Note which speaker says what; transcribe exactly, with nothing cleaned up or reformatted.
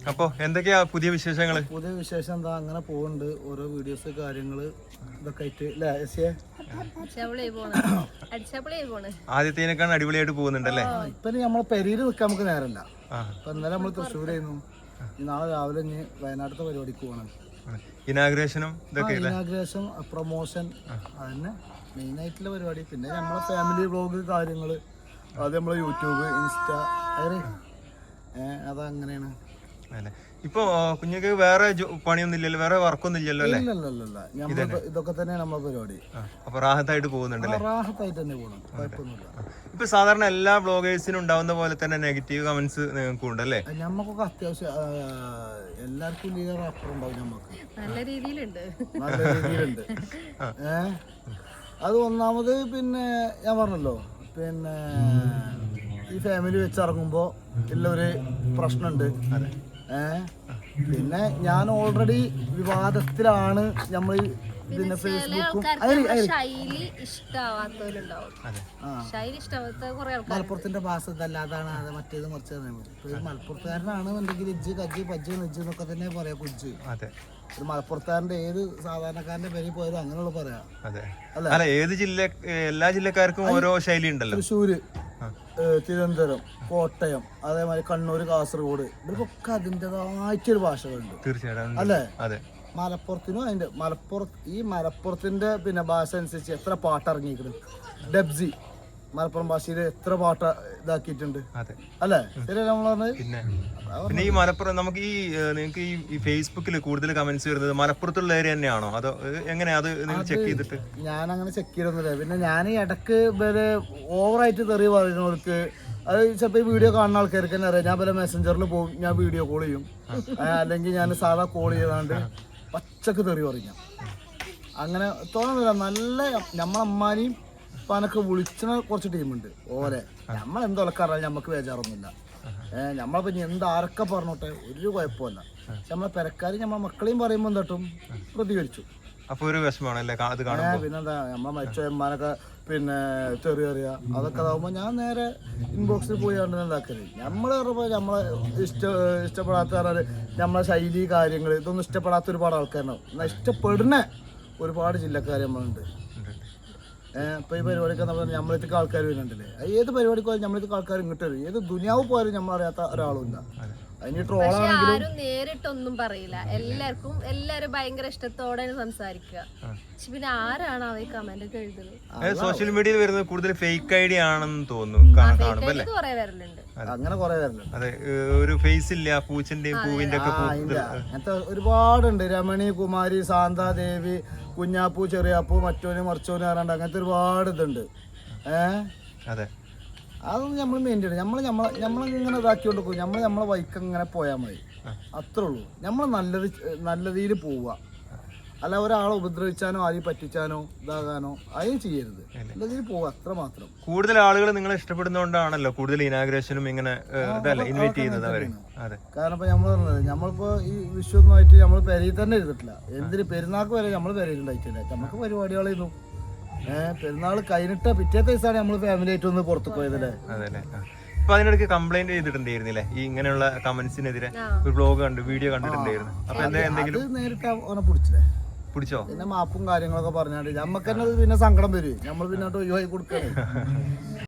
Speaker 1: അപ്പൊ എന്തൊക്കെയാ പുതിയ വിശേഷങ്ങള്?
Speaker 2: പുതിയ വിശേഷം എന്താ, അങ്ങനെ പോകുന്നുണ്ട്. ഓരോ വീഡിയോസ് കാര്യങ്ങള് ഇതൊക്കെ ആയിട്ട് അല്ലേ എസിയെ?
Speaker 1: ആദ്യത്തേനേക്കാൾ അടിപൊളിയായിട്ട് പോകുന്നുണ്ടല്ലേ?
Speaker 2: ഇപ്പൊ നമ്മളെ പെരിയിൽ നിൽക്കാൻ നമുക്ക് നേരമില്ല. ഇപ്പൊ ഇന്നലെ നമ്മൾ തൃശ്ശൂരായിരുന്നു, നാളെ രാവിലെ ഇനി വയനാട്ടിലത്തെ പരിപാടിക്ക് പോകണം.
Speaker 1: ഇനാഗ്രേഷനും
Speaker 2: ഇനാഗ്രേഷൻ പ്രൊമോഷൻ അതന്നെ മെയിൻ ആയിട്ടുള്ള പരിപാടി. പിന്നെ നമ്മളെ ഫാമിലി വ്ളോഗ് കാര്യങ്ങള്, അത് നമ്മളെ യൂട്യൂബ് ഇൻസ്റ്റ അങ്ങനെ അതങ്ങനെയാണ്.
Speaker 1: ഇപ്പൊ കുഞ്ഞുക്ക് വേറെ പണിയൊന്നും ഇല്ലല്ലോ, വേറെ വർക്കൊന്നും ഇല്ലല്ലോ അല്ലേ?
Speaker 2: ഇതൊക്കെ തന്നെയാണ് നമ്മളെ പരിപാടി.
Speaker 1: അപ്പൊ റാഹത്തായിട്ട് പോകുന്നുണ്ടല്ലേ?
Speaker 2: റാഹത്തായിട്ട് തന്നെ പോകണം, കുഴപ്പമൊന്നുമില്ല.
Speaker 1: ഇപ്പൊ സാധാരണ എല്ലാ ബ്ലോഗേഴ്സിനും ഉണ്ടാവുന്ന പോലെ തന്നെ നെഗറ്റീവ് കമന്റ്സ് നിങ്ങൾക്ക് ഉണ്ടല്ലേ?
Speaker 2: ഞമ്മക്കൊക്കെ അത്യാവശ്യം എല്ലാവർക്കും ലീഡർ അപ്പുറം ഉണ്ടാവും. ഞമ്മക്ക്
Speaker 3: നല്ല രീതിയിലുണ്ട്,
Speaker 2: നല്ല രീതിയിലുണ്ട്. ഏഹ് അത് ഒന്നാമത് പിന്നെ ഞാൻ പറഞ്ഞല്ലോ, പിന്നെ ഈ ഫാമിലി വെച്ചിറങ്ങുമ്പോ ഉള്ള ഒരു പ്രശ്നമുണ്ട്. ഏഹ് പിന്നെ ഞാൻ ഓൾറെഡി വിവാദത്തിലാണ്. നമ്മൾ പിന്നെ ഫേസ്ബുക്കും മലപ്പുറത്തിന്റെ ഭാഷ ഇതല്ല, അതാണ് അത് മറ്റേത് മറിച്ചതാണ്. ഇപ്പൊ മലപ്പുറത്തുകാരനാണ് എന്നുണ്ടെങ്കിൽ ഇജ്ജ് കജ്ജ് പജ്ജ് നെജ്ജ് എന്നൊക്കെ തന്നെ പറയാ. കുജ്ജ് ഒരു മലപ്പുറത്തുകാരന്റെ ഏത് സാധാരണക്കാരന്റെ പേരിൽ പോയാലും അങ്ങനെയുള്ള പറയാം
Speaker 1: അല്ല. ഏത് ജില്ല, എല്ലാ ജില്ലക്കാർക്കും ഓരോ ശൈലി ഉണ്ടല്ലോ.
Speaker 2: തൃശ്ശൂര്, തിരുവനന്തപുരം, കോട്ടയം, അതേമാതിരി കണ്ണൂർ, കാസർഗോഡ്, ഇവർക്കൊക്കെ അതിൻ്റെതായിട്ടൊരു ഭാഷകളുണ്ട്.
Speaker 1: തീർച്ചയായിട്ടും
Speaker 2: അല്ലേ? മലപ്പുറത്തിനും അതിന്റെ മലപ്പുറത്ത് ഈ മലപ്പുറത്തിന്റെ പിന്നെ ഭാഷ അനുസരിച്ച് എത്ര പാട്ട് ഇറങ്ങിയിരിക്കുന്നു. ഡബ്സി മലപ്പുറം ഭാഷയിൽ എത്ര പാട്ട് ഇതാക്കിയിട്ടുണ്ട് അല്ലേ? ശരി നമ്മൾ പറഞ്ഞത്.
Speaker 1: പിന്നെ പിന്നെ ഈ മലപ്പുറം നമുക്ക് ഈ നിങ്ങൾക്ക് ഈ ഫേസ്ബുക്കിൽ കൂടുതൽ കമന്റ്സ് വരുന്നത് മലപ്പുറത്തുള്ള ഏരിയ തന്നെയാണോ, അതോ എങ്ങനെയാ? അത് നിങ്ങൾ ചെക്ക് ചെയ്തിട്ട്?
Speaker 2: ഞാൻ അങ്ങനെ ചെക്ക് ചെയ്തൊന്നുമില്ല. പിന്നെ ഞാൻ ഈ ഇടക്ക് വരെ ഓവറായിട്ട് തെറി പറയുന്നവർക്ക്, അത് ചിലപ്പോൾ ഈ വീഡിയോ കാണുന്ന ആൾക്കാർക്ക് തന്നെ അറിയാം. ഞാൻ പല മെസ്സഞ്ചറിൽ പോകും, ഞാൻ വീഡിയോ കോൾ ചെയ്യും, അല്ലെങ്കിൽ ഞാൻ സാധാ കോൾ ചെയ്താണ്ട് പച്ചക്ക് തെറി പറയും. അങ്ങനെ തോന്നുന്നില്ല. നല്ല നമ്മളമ്മാനെയും പനക്ക് വിളിച്ചണ കുറച്ച് ടീമുണ്ട്. ഓരെ നമ്മളെന്തൊക്കെ അറിയാം, നമുക്ക് ബേജാറൊന്നുമില്ല. ഏഹ് നമ്മളിപ്പോ എന്താരൊക്കെ പറഞ്ഞോട്ടെ ഒരു കുഴപ്പമില്ല. പക്ഷെ നമ്മളെ പെരക്കാരും നമ്മളെ മക്കളെയും പറയുമ്പോൾ എന്താട്ടും പ്രതികരിച്ചു.
Speaker 1: അപ്പൊ ഒരു വിഷമമാണല്ലേ അത്?
Speaker 2: പിന്നെന്താ, നമ്മളെ മരിച്ച അമ്മാനൊക്കെ പിന്നെ തെറി അറിയാ, അതൊക്കെ ആകുമ്പോൾ ഞാൻ നേരെ ഇൻബോക്സിൽ പോയി കണ്ടു എന്താക്കല്. നമ്മൾ പറയുമ്പോൾ നമ്മളെ ഇഷ്ട ഇഷ്ടപ്പെടാത്ത പറഞ്ഞാൽ നമ്മളെ ശൈലി കാര്യങ്ങൾ ഇതൊന്നും ഇഷ്ടപ്പെടാത്ത ഒരുപാട് ആൾക്കാരുണ്ടാവും. എന്നാൽ ഇഷ്ടപ്പെടുന്ന ഒരുപാട് ജില്ലക്കാർ നമ്മളുണ്ട്. ഏഹ് ഇപ്പൊ ഈ പരിപാടിക്ക് നമ്മളെത്തേക്ക് ആൾക്കാർ വരുന്നുണ്ടല്ലേ. ഏത് പരിപാടിക്ക് പോയാലും നമ്മളെത്തേക്ക് ആൾക്കാർ ഇങ്ങോട്ട് വരും. ഏത് ദുനിയാവ് പോയാലും നമ്മളറിയാത്ത ഒരാളുമില്ല. അതിന് ട്രോളാണെങ്കിലും
Speaker 3: നേരിട്ടൊന്നും പറയില്ല. എല്ലാവർക്കും എല്ലാരും ഭയങ്കര ഇഷ്ടത്തോടെ സംസാരിക്കുക. പിന്നെ ആരാണ് അവ കമന്റ് ഒക്കെ എഴുതുന്നത്?
Speaker 1: സോഷ്യൽ മീഡിയയിൽ വരുന്നത് കൂടുതൽ ഫേക്ക് ഐഡിയ ആണെന്ന് തോന്നുന്നു.
Speaker 2: അങ്ങനെ കുറെ വരലുണ്ട്.
Speaker 1: അതെ, ഒരു ഫേസ് ഇല്ല, പൂച്ചന്റെയും പൂവിന്റെ ഒക്കെ
Speaker 2: അങ്ങനത്തെ ഒരുപാടുണ്ട്. രമണി, കുമാരി, ശാന്താദേവി, കുഞ്ഞാപ്പൂ, ചെറിയാപ്പൂ, മറ്റോന് മറിച്ചോന് പറയാണ്ട് അങ്ങനത്തെ ഒരുപാട് ഇതുണ്ട്. ഏഹ്
Speaker 1: അതെ,
Speaker 2: അതൊന്നും നമ്മൾ മെയിൻ ചെയ്യണം. നമ്മൾ നമ്മളെ നമ്മളിങ്ങനെ ഇതാക്കിക്കൊണ്ട് പോകും. നമ്മൾ നമ്മളെ വൈക്ക് ഇങ്ങനെ പോയാൽ മതി, അത്രേ ഉള്ളൂ. നമ്മൾ നല്ലത് നല്ല രീതിയിൽ പോവുക, അല്ല ഒരാളെ ഉപദ്രവിച്ചാനോ ആരെയും പറ്റിച്ചാനോ ഇതാകാനോ അതിന് ചെയ്യരുത്. നല്ല രീതിയിൽ പോവുക, അത്ര മാത്രം.
Speaker 1: കൂടുതൽ ആളുകൾ നിങ്ങളെ ഇഷ്ടപ്പെടുന്നതുകൊണ്ടാണല്ലോ കൂടുതൽ ഇനാഗ്രേഷനും ഇങ്ങനെ ഇൻവൈറ്റ് ചെയ്യുന്നത് അവര്.
Speaker 2: കാരണം ഇപ്പൊ നമ്മൾ പറഞ്ഞത് നമ്മളിപ്പോ ഈ വിഷുവൊന്നുമായിട്ട് നമ്മൾ പെരയിൽ തന്നെ ഇരുന്നിട്ടില്ല. എന്തിന് പെരുന്നാൾക്ക് വരെ നമ്മൾ പെരയിൽ ഉണ്ടായിട്ടില്ല. നമുക്ക് പരിപാടികളായിരുന്നു. ഏഹ് പെരുന്നാൾ കഴിഞ്ഞിട്ട് പിറ്റേത്തെ ദിവസമാണ് നമ്മൾ ഫാമിലി ആയിട്ട് ഒന്ന് പുറത്തു പോയതല്ലേ.
Speaker 1: അതെ. അപ്പൊ അതിനിടയ്ക്ക് കംപ്ലൈന്റ് ചെയ്തിട്ടുണ്ടായിരുന്നില്ലേ ഈ ഇങ്ങനെയുള്ള കമന്റ്സിനെതിരെ? ഒരു ബ്ലോഗ് കണ്ടു, വീഡിയോ കണ്ടിട്ടുണ്ടായിരുന്നു. അപ്പൊ എന്താ എന്തെങ്കിലും
Speaker 2: നേരിട്ട് ഓനെ പിടിച്ചില്ലേ?
Speaker 1: പിടിച്ചോ?
Speaker 2: പിന്നെ മാപ്പും കാര്യങ്ങളൊക്കെ പറഞ്ഞാണ്ട് നമുക്ക് തന്നെ പിന്നെ സങ്കടം വരും. നമ്മൾ പിന്നെ ഒഴിവാക്കി കൊടുക്കണേ.